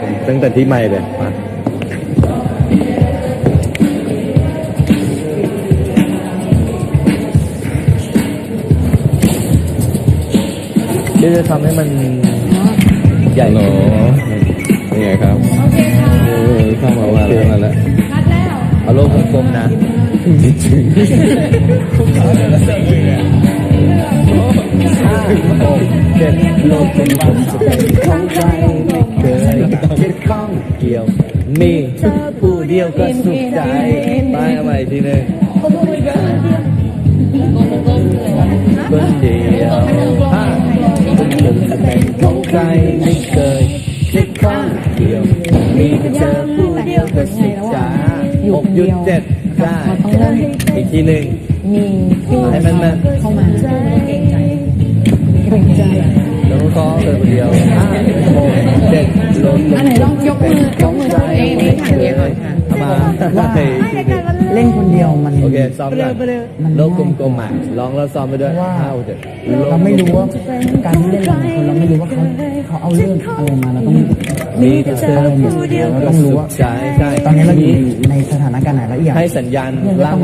ตั้งแต่ที่ใหม่เลยมาที่จะทำให้มันใหญ่ขึ้นเป็นไงครับโอเคค่ะเข้ามาว่าแล้วมาแล้วเอาโลกกลมๆนะเจ็ดโลกเป็นความสุขของใครไม่เคยคิดข้องเกี่ยวมีผู้เดียวก็สุขใจไปเอาใหม่ทีหนึ่งคนเดียวผมจะเป็นของใครไม่เคยคิดข้องเกี่ยวมีแต่เธอผู้เดียวก็สุขใจ6.7ได้อีกทีหนึ่งให้มันเข้ามาเก่งใจแล้วก็เลยคนเดียว5 6 7ลงอันไหนลองยกมือเองนี่ทางเดียวมาเล่นคนเดียวมันโอเคซ้อมกันโลกกลมๆอ่ะลองแล้วซ้อมไปด้วย5 7 เราไม่รู้ว่าการเล่นของคนเราไม่รู้ว่าเขาเอาเรื่องอะไรมาเราต้องมีแต่เธอผู้เดียวเราต้องรู้ว่าใช่ตอนนี้เราอยู่ในสถานการณ์ไหนแล้วอีกให้สัญญาณร่าง